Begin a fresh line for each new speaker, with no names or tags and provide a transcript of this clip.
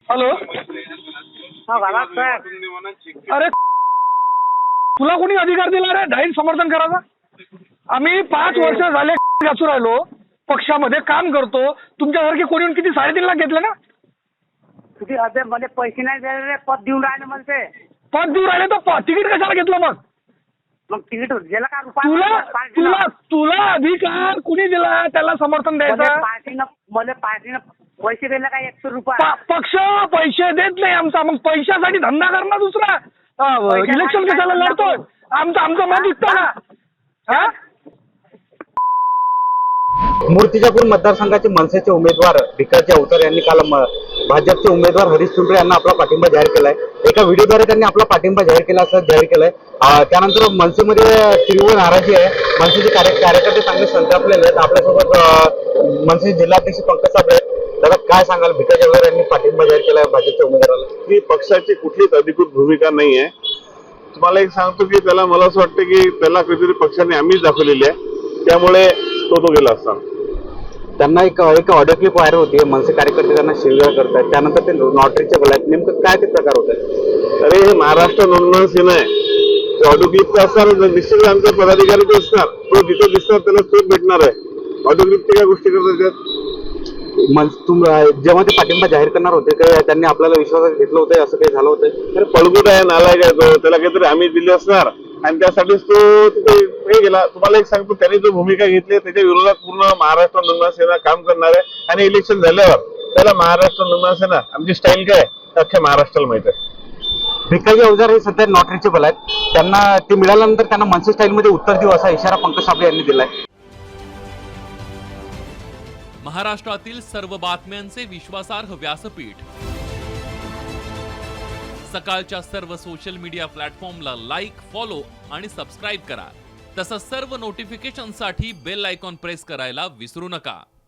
Hello. अरे तुला कोणी अधिकार दिला रे डाईन समर्थन करायचा? आम्ही 5 वर्ष झाले घासू राहिलो, पक्षामध्ये काम करतो. तुमच्यासारखे कोणी येऊन किती 3.5 लाख घेतले ना?
किती अदे मध्ये पैसे नाही दिले रे, पद देऊन राहिले मला ते.
पद देऊन राहिले तर तिकीट कशाला घेतलं मग?
मग तिकीट गेलं का
तुला तुला तुला अधिकार कुणी दिला त्याला समर्थन द्यायचं?
मला पार्टीनं पैसे दिले का 100 रुपये?
पक्ष पैसे देत नाही आमचा. मग पैशासाठी धंदा करणार दुसरा. इलेक्शन कशाला लढतो? आमचं मत विकतो ना. हा
मूर्तिजापूर मतदारसंघाचे मनसेचे उमेदवार भिकाजी अवतार यांनी काल भाजपचे उमेदवार हरीश चुंडरे यांना आपला पाठिंबा जाहीर केलाय. एका व्हिडिओद्वारे त्यांनी आपला पाठिंबा जाहीर केला असं जाहीर केलाय. त्यानंतर मनसेमध्ये तीव्र नाराजी आहे. मनसेचे कार्यकर्ते चांगले संतापलेले आहेत. आपल्यासोबत मनसे जिल्हाध्यक्ष पंकज साबळे आहेत. दादा काय सांगाल, भिकाजी अवतार यांनी पाठिंबा जाहीर केलाय भाजपच्या उमेदवाराला?
ही पक्षाची कुठलीच अधिकृत भूमिका नाही आहे. तुम्हाला एक सांगतो की त्याला मला असं वाटतं की त्याला कधीतरी पक्षाने आम्हीच दाखवलेली आहे, त्यामुळे तो गेला असता.
त्यांना एक ऑडिओ क्लिप व्हायरल होती. मनसे कार्यकर्ते त्यांना शिवीगाळ करतात, त्यानंतर ते नॉट रिचेबल आहेत. नेमकं काय ते प्रकार होत आहे?
अरे हे महाराष्ट्र नोंदणी सेन आहे. ते ऑडिओ क्लिप तर असणार, निश्चित आमचा पदाधिकारी तो असणार, तो जिथं दिसणार त्याला तोच भेटणार आहे. ऑडिओ क्लिपची काय गोष्टी करतात त्यात?
जेव्हा ते पाठिंबा जाहीर करणार होते काय त्यांनी आपल्याला विश्वासात घेतलं होतं, असं काही झालं होतं?
अरे पळगुट आहे, नालायक आहे तो. त्याला काहीतरी आम्ही दिले असणार आणि त्यासाठीच तो तिथे हे गेला. तुम्हाला एक सांगतो, त्यांनी जो भूमिका घेतली त्याच्या विरोधात पूर्ण महाराष्ट्र नोंदणी सेना काम करणार आहे. आणि इलेक्शन झाल्यावर त्याला महाराष्ट्र नोंदणी सेना आमची स्टाईल काय अख्ख्या महाराष्ट्राला माहित आहे.
भिकाजी अवतार हे सध्या नॉट रिचेबल आहेत. त्यांना ते मिळाल्यानंतर त्यांना मनसे स्टाईलमध्ये उत्तर देऊ असा इशारा पंकज साबळे यांनी दिलाय.
महाराष्ट्रातील सर्व बातम्यांचे विश्वासार्ह व्यासपीठ, सकाळच्या सर्व सोशल मीडिया प्लॅटफॉर्मला लाईक, फॉलो आणि सबस्क्राईब करा. तसंच सर्व नोटिफिकेशनसाठी बेल आयकॉन प्रेस करायला विसरू नका.